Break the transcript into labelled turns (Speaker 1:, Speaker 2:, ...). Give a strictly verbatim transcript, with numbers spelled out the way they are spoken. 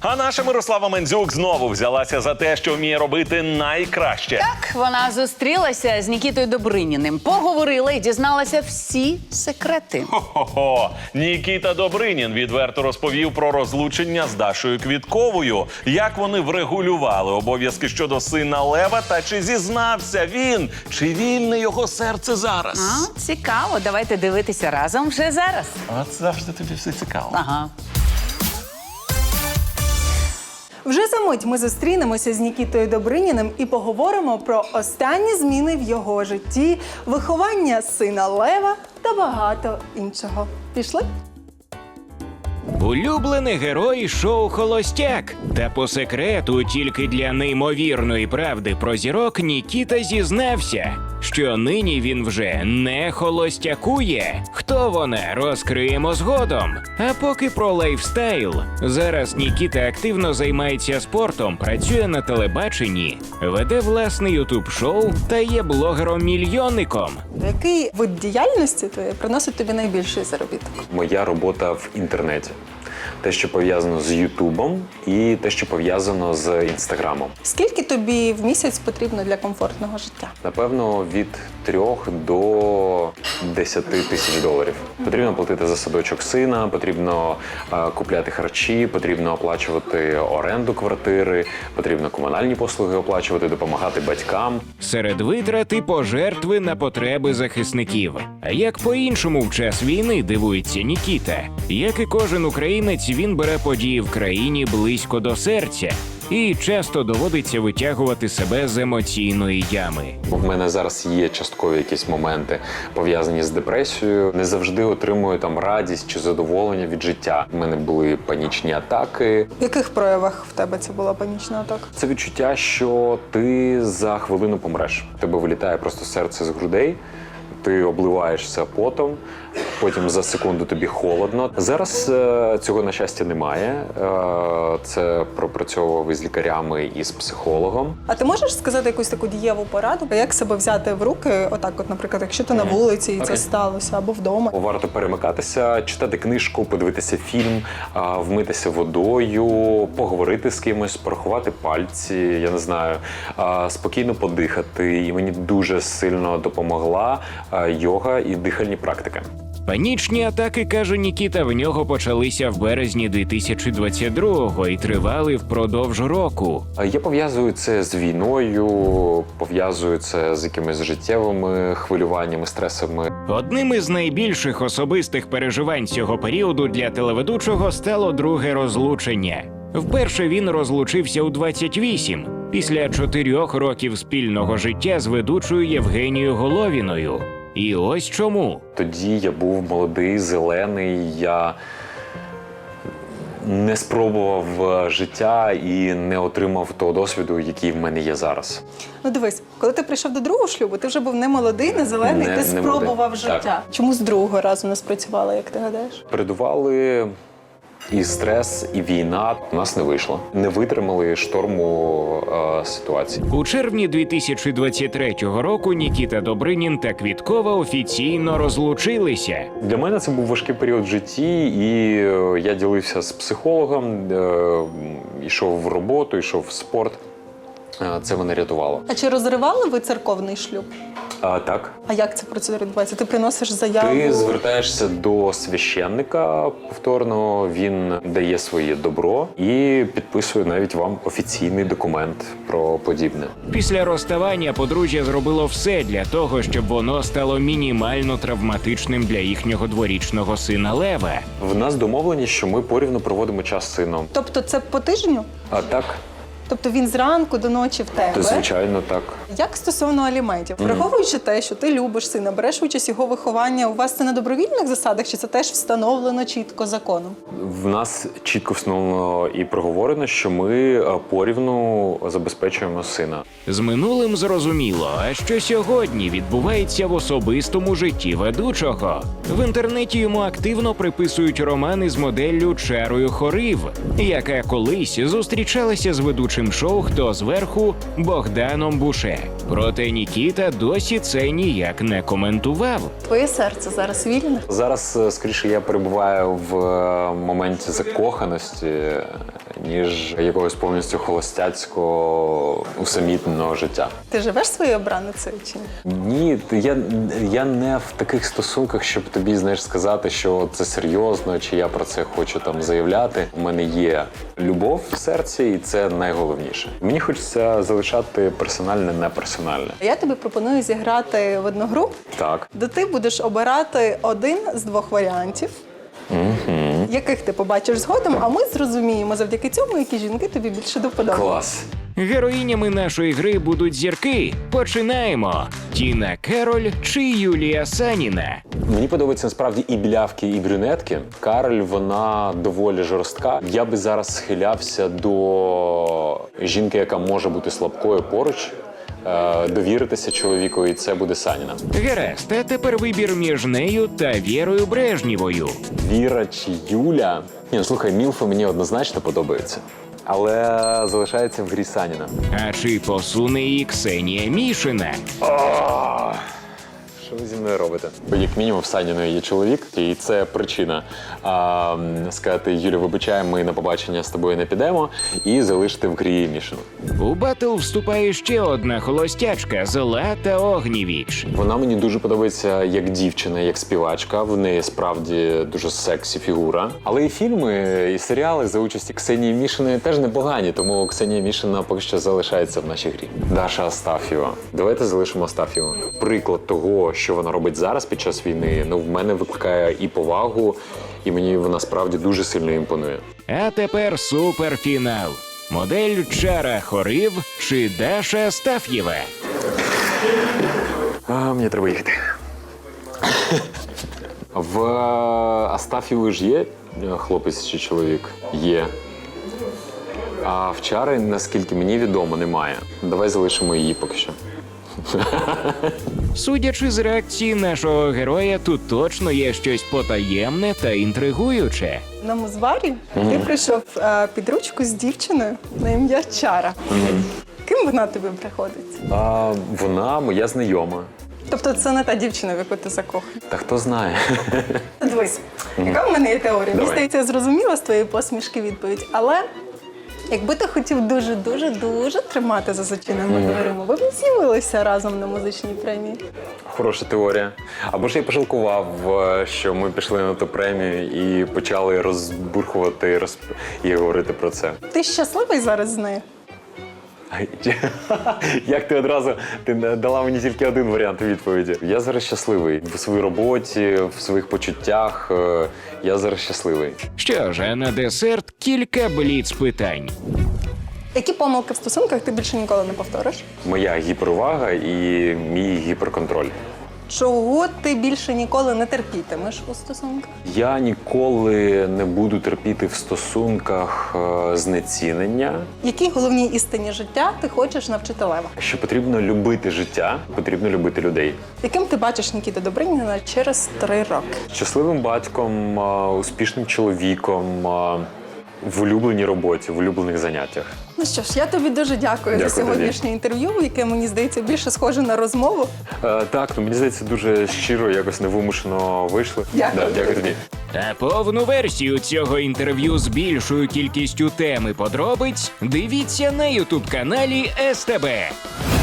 Speaker 1: А наша Мирослава Мендзюк знову взялася за те, що вміє робити найкраще.
Speaker 2: Так, вона зустрілася з Нікітою Добриніним, поговорила і дізналася всі секрети.
Speaker 1: Хо-хо-хо. Нікіта Добринін відверто розповів про розлучення з Дашою Квітковою, як вони врегулювали обов'язки щодо сина Лева та чи зізнався він, чи вільне його серце зараз.
Speaker 2: А, цікаво, давайте дивитися разом вже зараз.
Speaker 1: От завжди тобі все цікаво.
Speaker 2: Ага.
Speaker 3: Вже за мить ми зустрінемося з Нікітою Добриніним і поговоримо про останні зміни в його житті, виховання сина Лева та багато іншого. Пішли?
Speaker 4: Улюблений герой шоу «Холостяк». Та по секрету тільки для неймовірної правди про зірок Нікіта зізнався, що нині він вже не холостякує. Хто вона, розкриємо згодом. А поки про лайфстайл. Зараз Нікіта активно займається спортом, працює на телебаченні, веде власне ютуб-шоу та є блогером-мільйонником.
Speaker 3: Який вид діяльності твоєї приносить тобі найбільший заробіток?
Speaker 5: Моя робота в інтернеті. Те, що пов'язано з Ютубом, і те, що пов'язано з Інстаграмом.
Speaker 3: Скільки тобі в місяць потрібно для комфортного життя?
Speaker 5: Напевно, від трьох до десяти тисяч доларів. Потрібно платити за садочок сина, потрібно е, купляти харчі, потрібно оплачувати оренду квартири, потрібно комунальні послуги оплачувати, допомагати батькам.
Speaker 4: Серед витрат і пожертви на потреби захисників. А як по-іншому в час війни, дивується Нікіта. Як і кожен українець, він бере події в країні близько до серця. І часто доводиться витягувати себе з емоційної ями.
Speaker 5: В мене зараз є часткові якісь моменти, пов'язані з депресією. Не завжди отримую там радість чи задоволення від життя. У мене були панічні атаки.
Speaker 3: В яких проявах в тебе це була панічна атака?
Speaker 5: Це відчуття, що ти за хвилину помреш. В тебе вилітає просто серце з грудей, ти обливаєшся потом, потім за секунду тобі холодно. Зараз е, цього, на щастя, немає. Е, це пропрацьовував із лікарями і з психологом.
Speaker 3: А ти можеш сказати якусь таку дієву пораду, як себе взяти в руки, отак от, наприклад, якщо ти на вулиці і
Speaker 5: Окей.
Speaker 3: це сталося, або вдома?
Speaker 5: Варто перемикатися, читати книжку, подивитися фільм, е, вмитися водою, поговорити з кимось, порахувати пальці, я не знаю, е, спокійно подихати. І мені дуже сильно допомогла е, йога і дихальні практики.
Speaker 4: Панічні атаки, каже Нікіта, в нього почалися в березні дві тисячі двадцять другого і тривали впродовж року.
Speaker 5: Я пов'язую це з війною, пов'язую це з якимись життєвими хвилюваннями, стресами.
Speaker 4: Одним із найбільших особистих переживань цього періоду для телеведучого стало друге розлучення. Вперше він розлучився у двадцять вісім, після чотирьох років спільного життя з ведучою Євгенією Головіною. І ось чому.
Speaker 5: Тоді я був молодий, зелений, я не спробував життя і не отримав того досвіду, який в мене є зараз.
Speaker 3: Ну дивись, коли ти прийшов до другого шлюбу, ти вже був не молодий, не зелений,
Speaker 5: Не-
Speaker 3: ти
Speaker 5: не
Speaker 3: спробував
Speaker 5: молодий.
Speaker 3: життя.
Speaker 5: Так.
Speaker 3: Чому з другого разу не спрацювало, як ти гадаєш?
Speaker 5: Передували і стрес, і війна. У нас не вийшло. Не витримали шторму е, ситуації.
Speaker 4: У червні дві тисячі двадцять третього року Нікіта Добринін та Квіткова офіційно розлучилися.
Speaker 5: Для мене це був важкий період в житті, і е, я ділився з психологом, е, йшов в роботу, йшов в спорт. Е, Це мене рятувало.
Speaker 3: А чи розривали ви церковний шлюб?
Speaker 5: А, так.
Speaker 3: А як ця процедура відбувається? Ти приносиш заяву?
Speaker 5: Ти звертаєшся до священника повторно, він дає своє добро і підписує навіть вам офіційний документ про подібне.
Speaker 4: Після розставання подружжя зробило все для того, щоб воно стало мінімально травматичним для їхнього дворічного сина Лева.
Speaker 5: В нас домовлені, що ми порівну проводимо час з сином.
Speaker 3: Тобто це по тижню?
Speaker 5: А так,
Speaker 3: Тобто він зранку до ночі в тебе?
Speaker 5: то звичайно так.
Speaker 3: Як стосовно аліментів? Враховуючи те, що ти любиш сина, береш участь в його вихованні, у вас це на добровільних засадах, чи це теж встановлено чітко законом?
Speaker 5: В нас чітко встановлено і проговорено, що ми е, порівну забезпечуємо сина.
Speaker 4: З минулим зрозуміло, а що сьогодні відбувається в особистому житті ведучого. В інтернеті йому активно приписують романи з моделлю Чарою Хорив, яка колись зустрічалася з ведучим шоу «Хто зверху» Богданом Буше. Проте Нікіта досі це ніяк не коментував.
Speaker 3: Твоє серце зараз вільне?
Speaker 5: Зараз, е, скоріше, я перебуваю в е, моменті закоханості, ніж якогось повністю холостяцького усамітненого життя.
Speaker 3: Ти живеш своєю обраницею чи ні?
Speaker 5: Ні, ти- я, я не в таких стосунках, щоб тобі, знаєш, сказати, що це серйозно, чи я про це хочу там заявляти. У мене є любов в серці, і це найголовніше. Мені хочеться залишати персональне неперсональне.
Speaker 3: Я тобі пропоную зіграти в одну гру,
Speaker 5: Так.
Speaker 3: де ти будеш обирати один з двох варіантів, яких ти побачиш згодом, а ми зрозуміємо завдяки цьому, які жінки тобі більше до вподоби.
Speaker 5: Клас.
Speaker 4: Героїнями нашої гри будуть зірки. Починаємо. Тіна Кероль чи Юлія Саніна.
Speaker 5: Мені подобаються насправді і білявки, і брюнетки. Кароль, вона доволі жорстка. Я би зараз схилявся до жінки, яка може бути слабкою поруч, е, довіритися чоловіку, і це буде Саніна.
Speaker 4: Гаразд, а тепер вибір між нею та Вірою Брежнєвою.
Speaker 5: Віра чи Юля? Ні, ну слухай, Мілфи мені однозначно подобаються. Але залишається в грі Саніна.
Speaker 4: А чи посуне її Ксенія Мішина?
Speaker 5: Що ви зі мною робите? Бо як мінімум в Саніної є чоловік, і це причина а, м, сказати: Юля, вибачай, ми на побачення з тобою не підемо, і залишити в грі Мішину.
Speaker 4: У батл вступає ще одна холостячка Злата Огнєвіч.
Speaker 5: Вона мені дуже подобається як дівчина, як співачка. В неї справді дуже сексі фігура. Але і фільми, і серіали за участі Ксенії Мішиної теж непогані, тому Ксенія Мішина поки що залишається в нашій грі. Даша Астафєва. Давайте залишимо Астафєву. Приклад того, що вона робить зараз під час війни, ну в мене викликає і повагу, і мені вона справді дуже сильно імпонує.
Speaker 4: А тепер суперфінал. Модель Чара Хорив чи Даша Астаф'єва.
Speaker 5: А, мені треба їхати. В Астафєвої ж є хлопець чи чоловік? Є. А в Чари, наскільки мені відомо, немає. Давай залишимо її поки що.
Speaker 4: Судячи з реакції нашого героя, тут точно є щось потаємне та інтригуюче.
Speaker 3: В одному з барі ти прийшов е, під ручку з дівчиною на ім'я Чара. Ким вона тобі приходиться?
Speaker 5: А, вона моя знайома.
Speaker 3: Тобто це не та дівчина, в яку ти закоханий.
Speaker 5: Та хто знає?
Speaker 3: Дивись, яка в мене є теорія? Мені
Speaker 5: Давай.
Speaker 3: здається, я зрозуміла з твоєї посмішки відповідь, але якби ти хотів дуже-дуже-дуже тримати за зачиненими дверима, ви б не з'явилися разом на музичній премії.
Speaker 5: Хороша теорія. Або ж я пожалкував, е, що ми пішли на ту премію і почали розбурхувати розп... і говорити про це.
Speaker 3: Ти щасливий зараз з нею?
Speaker 5: Ай, як ти одразу ти дала мені тільки один варіант відповіді. Я зараз щасливий в своїй роботі, в своїх почуттях. е, Я зараз щасливий.
Speaker 4: Що ж, а на десерт кілька бліц-питань.
Speaker 3: Які помилки в стосунках ти більше ніколи не повториш?
Speaker 5: Моя гіперувага і мій гіперконтроль.
Speaker 3: Чого ти більше ніколи не терпітимеш у стосунках?
Speaker 5: Я ніколи не буду терпіти в стосунках е, знецінення.
Speaker 3: Якій головній істині життя ти хочеш навчити Лева?
Speaker 5: Що потрібно любити життя, потрібно любити людей.
Speaker 3: Яким ти бачиш Нікіту Добриніна через три роки?
Speaker 5: Щасливим батьком, е, успішним чоловіком, е, в улюбленій роботі, в улюблених заняттях.
Speaker 3: Ну що ж, я тобі дуже дякую,
Speaker 5: Дякую
Speaker 3: за сьогоднішнє інтерв'ю, яке, мені здається, більше схоже на розмову.
Speaker 5: Е, так, ну мені здається, дуже щиро, якось невимушено вийшли.
Speaker 3: Дякую.
Speaker 5: Да, дякую тобі.
Speaker 4: А повну версію цього інтерв'ю з більшою кількістю тем і подробиць дивіться на ютуб-каналі ес те бе.